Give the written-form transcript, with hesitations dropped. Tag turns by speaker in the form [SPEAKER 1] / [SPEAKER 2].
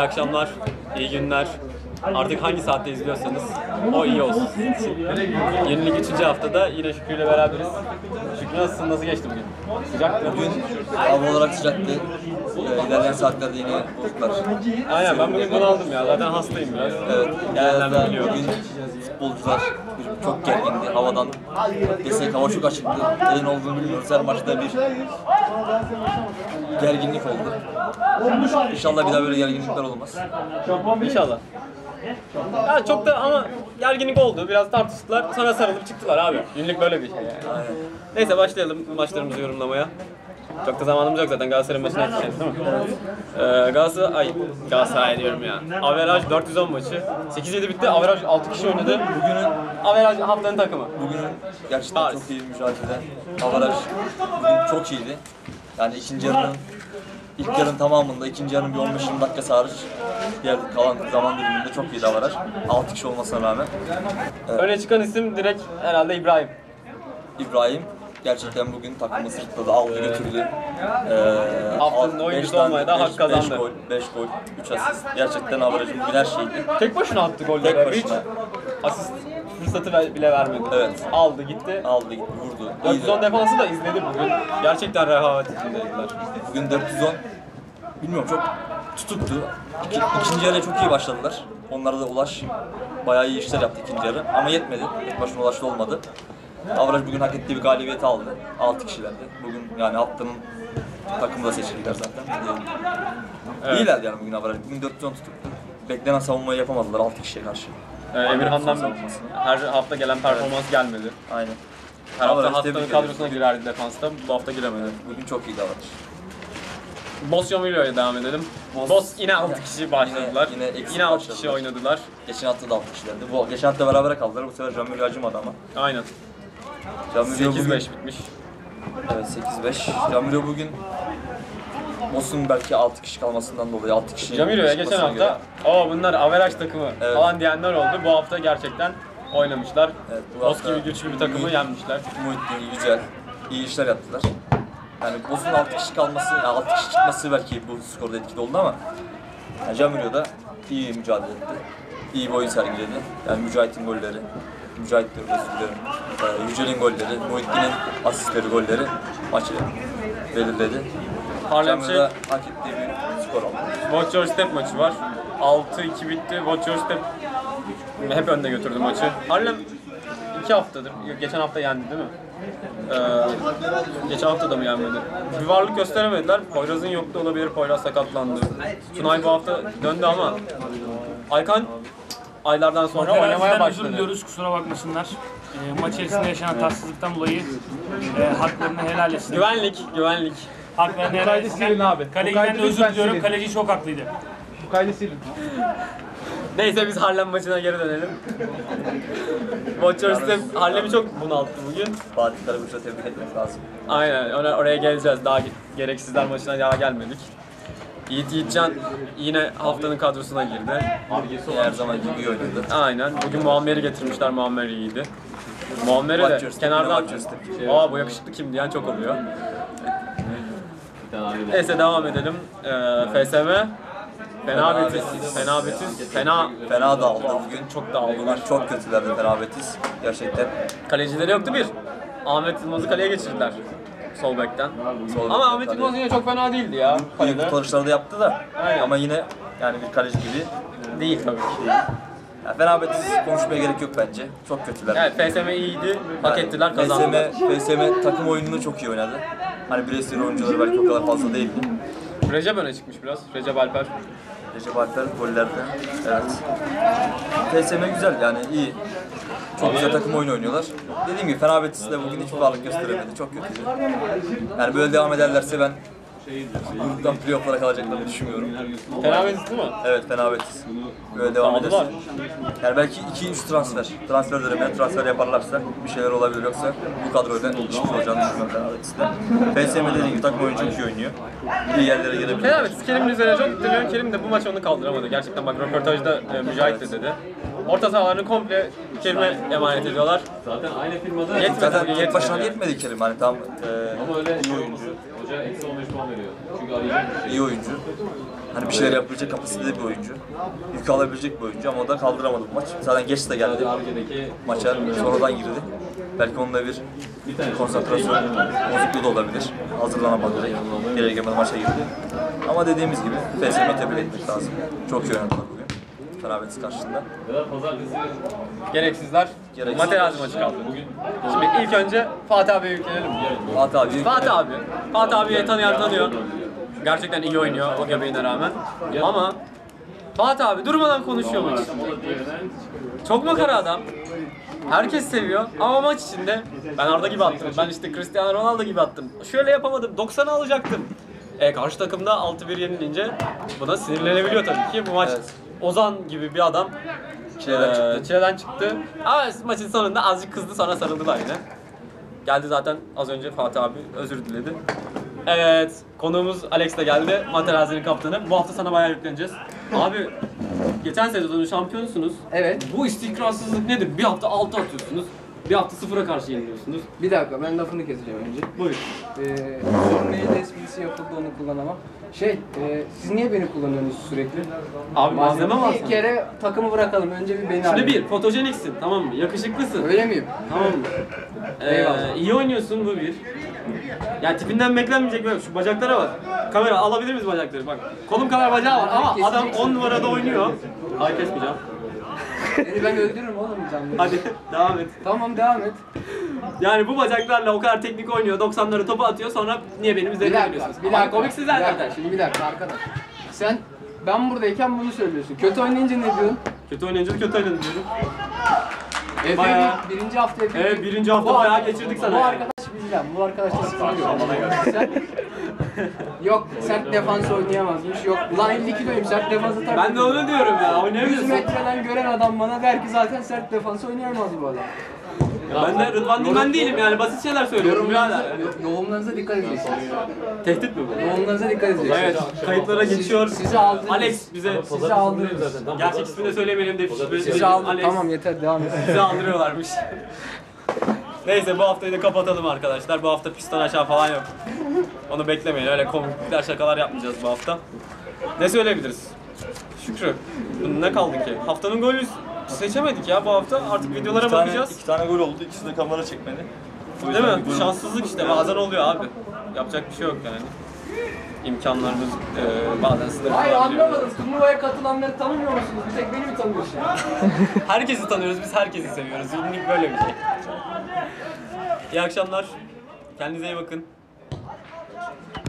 [SPEAKER 1] akşamlar, iyi günler. Artık hangi saatte izliyorsanız o iyi olsun sizin için. Yenilik 3. haftada yine Şükrü ile beraberiz. Şükrü nasılsın? Nasıl geçti bugün? Sıcak mı?
[SPEAKER 2] Bugün hava olarak sıcaktı. İlerleyen saatlerde yine bulutlar.
[SPEAKER 1] Aynen, ben bugün bunu aldım ya. Zaten hastayım biraz.
[SPEAKER 2] Evet.
[SPEAKER 1] Gelenlerden biliyorum.
[SPEAKER 2] Bugün futbolcular çok gergindi. Havadan desek hava çok açıktı. Neden olduğunu bilmiyoruz. Her maçta bir gerginlik oldu. İnşallah bir daha böyle gerginlikler olmaz.
[SPEAKER 1] İnşallah. Ya çok da ama gerginlik oldu. Biraz tartıştılar. Sonra sarılıp çıktılar abi. Günlük böyle bir şey yani.
[SPEAKER 2] Aynen.
[SPEAKER 1] Neyse başlayalım maçlarımızı yorumlamaya. Çok da zamanımız yok zaten, Galatasaray'ın maçına yetişeceğiz değil mi? Galatasaray diyorum ya. Averaj 410 maçı. 8-7 bitti. Averaj 6 kişi oynadı. Bugünün averaj haftanın takımı.
[SPEAKER 2] Bugünün gerçekten çok iyi bir mücadele. Avaraj bugün çok iyiydi. Yani ilk yarının tamamında, ikinci yarının bir 15-20 dakika hariç diğer kalan zaman diliminde çok iyiydi Avaraj. 6 kişi olmasına rağmen.
[SPEAKER 1] Öne çıkan isim direkt herhalde İbrahim.
[SPEAKER 2] İbrahim gerçekten bugün takımı sırtladı, aldı götürdü.
[SPEAKER 1] Haftanın oyuncusu olmaya da hak kazandı.
[SPEAKER 2] 5 gol, 3 asist. Gerçekten Avaraj'ın bugün her şeydi.
[SPEAKER 1] Tek başına attı golleri.
[SPEAKER 2] Tek başına.
[SPEAKER 1] Hiç asist fırsatı bile vermedi.
[SPEAKER 2] Evet.
[SPEAKER 1] Aldı gitti.
[SPEAKER 2] Aldı gitti, vurdu.
[SPEAKER 1] 410 defansı da izledi bugün. Gerçekten rehavet içindeydiler.
[SPEAKER 2] Bugün 410, bilmiyorum, çok tutuktu. İkinci yarıya çok iyi başladılar. Onlara da Ulaş bayağı iyi işler yaptı ikinci yarı ama yetmedi. Tek başına Ulaş'ta olmadı. Avraj bugün hak ettiği bir galibiyeti aldı. 6 kişilerdi. Bugün yani haftanın takımı da seçildiler zaten. Evet. İyilerdi yani bugün Avraj. Bugün 410 tutuktu. Beklenen savunmayı yapamadılar 6 kişiye karşı.
[SPEAKER 1] Emirhan'dan her hafta gelen performans gelmedi.
[SPEAKER 2] Aynen.
[SPEAKER 1] Her hafta
[SPEAKER 2] Avraj
[SPEAKER 1] haftanın
[SPEAKER 2] tebrik
[SPEAKER 1] kadrosuna
[SPEAKER 2] ederim.
[SPEAKER 1] girerdi defansta. Bu hafta giremedi.
[SPEAKER 2] Bugün çok iyiydi Avraj.
[SPEAKER 1] Boss Yomilo'ya devam edelim. Boss yine 6 kişi başladılar. Yine 6 kişi
[SPEAKER 2] başladılar.
[SPEAKER 1] oynadılar.
[SPEAKER 2] Geçen hafta da 6 kişilerdi. Geçen hafta berabere kaldılar. Bu sefer Jamil acımadı ama.
[SPEAKER 1] Aynen.
[SPEAKER 2] Jamil
[SPEAKER 1] 8-5
[SPEAKER 2] bugün...
[SPEAKER 1] bitmiş.
[SPEAKER 2] Evet, 8-5. Jamil bugün Boss'un belki 6 kişi kalmasından dolayı 6 kişi.
[SPEAKER 1] Jamiro'ya geçen hafta bunlar averaj takımı
[SPEAKER 2] Evet.
[SPEAKER 1] falan diyenler oldu. Bu hafta gerçekten oynamışlar.
[SPEAKER 2] Evet, bu
[SPEAKER 1] Boss
[SPEAKER 2] hafta
[SPEAKER 1] gibi güçlü bir takımı yenmişler.
[SPEAKER 2] Muhittin, Yücel iyi işler yaptılar. Yani Boss'un 6 kişi kalması, yani 6 kişi çıkması belki bu skorda etkili oldu ama yani Jamil da iyi mücadele etti. İyi bir oyun sergiledi. Yani Mücahit'in golleri, Mücahit'in özürlerim, Yücel'in golleri, Muhittin'in asistleri, golleri maçı belirledi.
[SPEAKER 1] Harlemçe
[SPEAKER 2] Jamil hak ettiği bir skor aldı.
[SPEAKER 1] Watch Your Step maçı var. 6-2 bitti. Watch Your Step hep önde götürdü maçı. Harlem 2 haftadır, geçen hafta yendi değil mi? Geçen hafta da mı yenmedi? Bir varlık gösteremediler. Poyraz'ın yoktu olabilir, Poyraz sakatlandı. Tunay bu hafta döndü ama Aykan aylardan sonra oynamaya başladı.
[SPEAKER 3] Özür diliyoruz, kusura bakmasınlar. Maç içerisinde yaşanan tatsızlıktan dolayı haklarını helal etsin.
[SPEAKER 1] Güvenlik.
[SPEAKER 3] Haklarını helal etsin. Kaleciden de özür diliyorum, kaleci çok haklıydı.
[SPEAKER 4] Bu kaydı silin.
[SPEAKER 1] Neyse biz Harlem maçına geri dönelim. Watch Your Step Harlem'i çok bunalttı bugün.
[SPEAKER 2] Fatih Karabük'ü tebrik etmek lazım.
[SPEAKER 1] Aynen, oraya geleceğiz. Daha gereksizler maçına daha gelmedik. Yiğitcan yine haftanın kadrosuna girdi.
[SPEAKER 2] Her zaman gibi iyi oynadı.
[SPEAKER 1] Aynen. Bugün Muammer'i getirmişler. Muammer iyiydi. Muammer'e de
[SPEAKER 2] Watch
[SPEAKER 1] kenardan
[SPEAKER 2] Your Step.
[SPEAKER 1] bu yakışıklı kim diyen çok oluyor. Neyse devam edelim. FSM
[SPEAKER 2] Fena dağıldı bugün.
[SPEAKER 1] çok dağıldılar.
[SPEAKER 2] Çok kötülerdi Fena Betis. Gerçekten.
[SPEAKER 1] Kalecileri yoktu bir. Ahmet Yılmaz'ı kaleye geçirdiler. Sol bekten.
[SPEAKER 2] Sol
[SPEAKER 1] Ama
[SPEAKER 2] bekten
[SPEAKER 1] Ahmet
[SPEAKER 2] kaleye.
[SPEAKER 1] Yılmaz yine çok fena değildi ya.
[SPEAKER 2] İyi
[SPEAKER 1] Kalede.
[SPEAKER 2] kurtarışları da yaptı da.
[SPEAKER 1] Aynen.
[SPEAKER 2] Ama yine yani bir kaleci gibi.
[SPEAKER 1] Değil tabii ki.
[SPEAKER 2] Yani Fena Betis konuşmaya gerek yok bence. Çok kötüler.
[SPEAKER 1] Evet, FSM iyiydi. Hak ettiler, kazandılar.
[SPEAKER 2] FSM takım oyununu çok iyi oynadı. Hani bireysel oyuncuları belki o kadar fazla değildi.
[SPEAKER 1] Recep öne çıkmış biraz. Recep Alper.
[SPEAKER 2] Recep Alper gollerde. Evet. FSM güzel yani iyi. Çok güzel takım oyunu oynuyorlar. Dediğim gibi Fena Betis de bugün hiçbir varlık gösteremedi. Çok kötüydü. Yani böyle devam ederlerse ben gruptan playoff'lara kalacaklarını düşünmüyorum.
[SPEAKER 1] Fena Betis değil mi?
[SPEAKER 2] Evet, Fena Betis. Böyle devam
[SPEAKER 1] Aldılar.
[SPEAKER 2] ederse. Yani belki 2-3 transfer dönemine transfer yaparlarsa bir şeyler olabilir, yoksa bu kadroyla işimiz olacağını düşünüyorum Fena Betis'te. FSM dediğim gibi takım oyunu çok iyi oynuyor. İyi yerlere gelebilir.
[SPEAKER 1] Fena Betis Kerim'in üzerine çok gitti. Kerim de bu maç onu kaldıramadı. Gerçekten bak röportajda Mücahit de dedi. Orta sahalarını komple Kerim'e emanet ediyorlar.
[SPEAKER 4] Zaten aynı firmada
[SPEAKER 1] Yetmedi
[SPEAKER 2] Zaten
[SPEAKER 1] bugün,
[SPEAKER 2] tek başına
[SPEAKER 1] yetmedi.
[SPEAKER 2] yetmedi Kerim, hani tam
[SPEAKER 4] ama öyle
[SPEAKER 2] iyi oyuncu.
[SPEAKER 1] Hoca eksi 15 puan veriyor. Çünkü arayacak bir şey.
[SPEAKER 2] İyi oyuncu. Hani bir şeyler yapabilecek kapasitede bir oyuncu. Yük alabilecek bir oyuncu ama o da kaldıramadı bu maç. Zaten geç de geldi maça. Sonradan girdi. Belki onunla bir konsantrasyon bozukluğu da olabilir. Hazırlanamadı direkt. Geri gelmeden maça girdi. Ama dediğimiz gibi FSM'yi tebrik etmek lazım. Çok iyi oynadılar bugün. Fenerbahçe karşısında.
[SPEAKER 1] Gereksizler.
[SPEAKER 2] Gereksiz.
[SPEAKER 1] Materazzi maçı kaldı. Şimdi ilk önce Fatih abiye yüklenelim.
[SPEAKER 2] Fatih abi.
[SPEAKER 1] Fatih abiyi tanıyan tanıyor. Gerçekten iyi oynuyor o göbeğine rağmen. Ama Fatih abi durmadan konuşuyor maç içinde. Çok makara adam. Herkes seviyor ama maç içinde ben Arda gibi attım. Ben işte Cristiano Ronaldo gibi attım. Şöyle yapamadım. 90'ı alacaktım. Karşı takımda 6-1 yenilince buna sinirlenebiliyor tabii ki. Bu maç
[SPEAKER 2] Evet.
[SPEAKER 1] Ozan gibi bir adam çileden çıktı. Ama maçın sonunda azıcık kızdı, sonra sarıldılar yine. Geldi zaten az önce Fatih abi özür diledi. Evet, konuğumuz Alex de geldi. Materazzi'nin kaptanı. Bu hafta sana bayağı yükleneceğiz. Abi, geçen sezonun şampiyonusunuz.
[SPEAKER 4] Evet.
[SPEAKER 1] Bu istikrarsızlık nedir? Bir hafta 6 atıyorsunuz. Bir hafta 0'a karşı yeniliyorsunuz.
[SPEAKER 4] Bir dakika ben lafını keseceğim önce.
[SPEAKER 1] Buyur.
[SPEAKER 4] Son mail esprisi yapıldı onu kullanamam. Siz niye beni kullanıyorsunuz sürekli?
[SPEAKER 1] Abi malzeme var
[SPEAKER 4] Bir
[SPEAKER 1] sana.
[SPEAKER 4] kere takımı bırakalım. Önce bir beni
[SPEAKER 1] Şimdi
[SPEAKER 4] arayın.
[SPEAKER 1] bir, fotojeniksin, tamam mı? Yakışıklısın.
[SPEAKER 4] Öyle miyim?
[SPEAKER 1] Tamam mı?
[SPEAKER 4] Eyvallah.
[SPEAKER 1] İyi oynuyorsun, bu bir. Ya tipinden beklenmeyecek böyle, şu bacaklara bak. Kamera alabilir miyiz bacakları? Bak, kolum kadar bacağı var ama adam 10 numarada oynuyor. Ay kesmeyeceğim.
[SPEAKER 4] Seni ben öldürürüm oğlum canlı.
[SPEAKER 1] Hadi devam et.
[SPEAKER 4] Tamam devam et.
[SPEAKER 1] Yani bu bacaklarla o kadar teknik oynuyor, 90'ları topu atıyor, sonra niye benim
[SPEAKER 4] Bir
[SPEAKER 1] üzerine
[SPEAKER 4] dakika,
[SPEAKER 1] geliyorsunuz?
[SPEAKER 4] bir dakika.
[SPEAKER 1] Komiksiz
[SPEAKER 4] Bir
[SPEAKER 1] zaten.
[SPEAKER 4] dakika, şimdi bir dakika arkadaş. Ben buradayken bunu söylüyorsun. Kötü oynayınca ne diyorsun?
[SPEAKER 1] Kötü oynayınca kötü oynadın diyorum.
[SPEAKER 4] Efe birinci hafta Efe.
[SPEAKER 1] Evet, birinci hafta bayağı geçirdik sana
[SPEAKER 4] Bu
[SPEAKER 1] yani.
[SPEAKER 4] arkadaş bizden. Bu arkadaşta sıkıntı yok. Sen... Yok sert defans oynayamazmış. Yok ulan 50 kiloyum sert defans atar.
[SPEAKER 1] Ben de onu diyorum ya,
[SPEAKER 4] 100
[SPEAKER 1] oynayamıyorsun.
[SPEAKER 4] metreden gören adam bana der ki zaten sert defans oynayamaz bu adam.
[SPEAKER 1] Ben de Rıdvan Dilmen değilim yani, basit şeyler söylüyorum birader.
[SPEAKER 4] Yoğunlarınıza dikkat edeceksiniz.
[SPEAKER 1] Tehdit mi bu?
[SPEAKER 4] Yoğunlarınıza dikkat edeceksiniz.
[SPEAKER 1] Evet, kayıtlara geçiyor.
[SPEAKER 4] Sizi aldınız.
[SPEAKER 1] Alex bize
[SPEAKER 4] Sizi aldınız.
[SPEAKER 1] gerçek ismini de söylemeyelim de
[SPEAKER 4] Sizi aldınız.
[SPEAKER 1] Alex
[SPEAKER 4] Tamam yeter devam et.
[SPEAKER 1] bizi aldırıyorlarmış. Neyse bu haftayı da kapatalım arkadaşlar. Bu hafta pistten aşağı falan yok. Onu beklemeyin. Öyle komikler şakalar yapmayacağız bu hafta. Ne söyleyebiliriz? Şükrü. Ne kaldı ki? Haftanın golü seçemedik ya bu hafta. Artık videolara bakacağız.
[SPEAKER 2] 2 tane gol oldu. İkisi de kamera çekmedi.
[SPEAKER 1] Değil mi? Şanssızlık işte. Bazen oluyor abi. Yapacak bir şey yok yani. İmkanlarımız bazen sınırlı
[SPEAKER 4] Hayır
[SPEAKER 1] olabiliyor.
[SPEAKER 4] anlamadım. Turnuvaya katılanları tanımıyor musunuz? Bir tek beni mi tanıyorsun?
[SPEAKER 1] Herkesi tanıyoruz, biz herkesi seviyoruz. Ünlük böyle bir şey. İyi akşamlar. Kendinize iyi bakın.